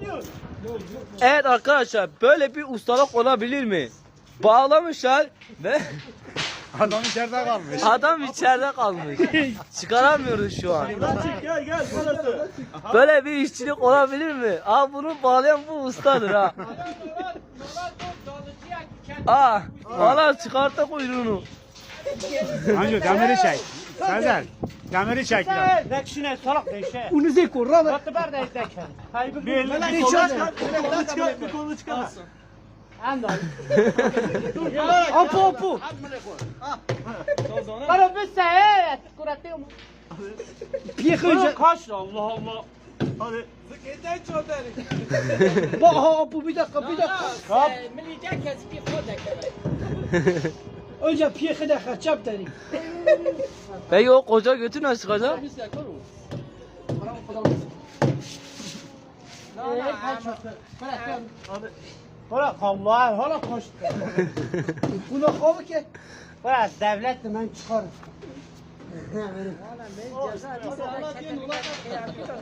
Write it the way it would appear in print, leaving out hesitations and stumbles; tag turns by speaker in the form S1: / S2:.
S1: Evet arkadaşlar, böyle bir ustalık olabilir mi? Bağlamışlar ve
S2: Adam içeride kalmış.
S1: adam içeride kalmış. Çıkaramıyoruz şu an.
S3: Gel gel burası.
S1: Böyle bir işçilik olabilir mi? Aa, bunu bağlayan bu ustadır ha. Aa, valla çıkarttı kuyruğunu.
S2: Hangi demiri çek. Sezer. Demiri çek lan.
S3: Dekşine salak deşe.
S4: Unuze kurra ve
S3: Batı ber de deşe. Bir
S4: Ne
S3: kolu
S4: çıkar?
S3: çıkar. Bir kolu çıkar.
S4: apu apu.
S5: Para bisse evet. Kuratıyor mu?
S4: Piyekınca.
S3: Kaç Allah Allah. Hadi.
S4: Bak ha apu bir dakika bir dakika.
S5: Miliyecek kes bir kodak.
S4: Önce piyekine kaçap derim.
S1: Peki o koca götü nasıl çıkacak?
S3: Bırak Allah. Hala koş.
S4: Buna kavuk ki.
S3: Bırak devlet
S4: Ben çıkarım.
S5: Ceza